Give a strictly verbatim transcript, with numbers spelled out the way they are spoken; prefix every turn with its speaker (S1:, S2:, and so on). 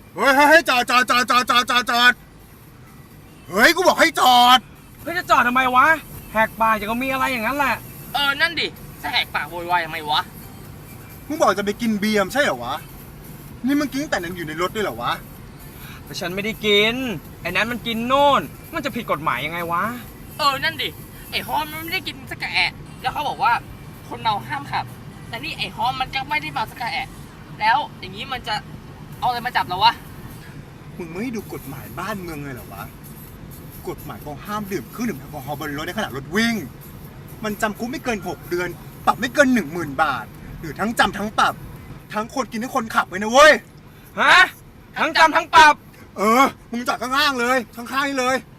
S1: เฮ้ยเฮ้ยจอดจอดจอดจอดจอดจอดจอดเฮ้ยกูบอกให้จอด
S2: เฮ้ยจะจอดทำไมวะแหกปากอย่างก็มีอะไรอย่างนั้นแหละ
S3: เออนั่นดิจะแหกปากโวยวายทำไมวะ
S1: มึงบอกจะไปกินเบียร์ใช่เหรอวะนี่มึงกินแต่ยังอยู่ในรถด้วยเหรอวะ
S2: แต่ฉันไม่ได้กินไอ้นั้นมันกินโน่นมันจะผิดกฎหมายยังไงวะ
S3: เออนั่นดิไอ้ฮอมมันไม่ได้กินสักกะแอะแล้วเขาบอกว่าคนเมาห้ามขับแต่นี่ไอ้ฮอมมันก็ไม่ได้เมาสักกะแอะแล้วอย่างนี้มันจะเอาอะไรมาจับเราวะ
S1: มึงไม่ดูกฎหมายบ้านเมืองเลยเหรอวะกฎหมายเขาห้ามดื่มเครื่องดื่มแอลกอฮอล์บนรถในขณะรถวิ่งมันจำคุกไม่เกินหกเดือนปรับไม่เกินหนึ่งหมื่นบาทหรือทั้งจำทั้งปรับทั้งคนกินทั้งคนขับเลยนะเว้ย
S2: ฮะทั้งจำทั้งปรับ
S1: เออมึงจอดข้างล่างเลยข้างๆนี่เลย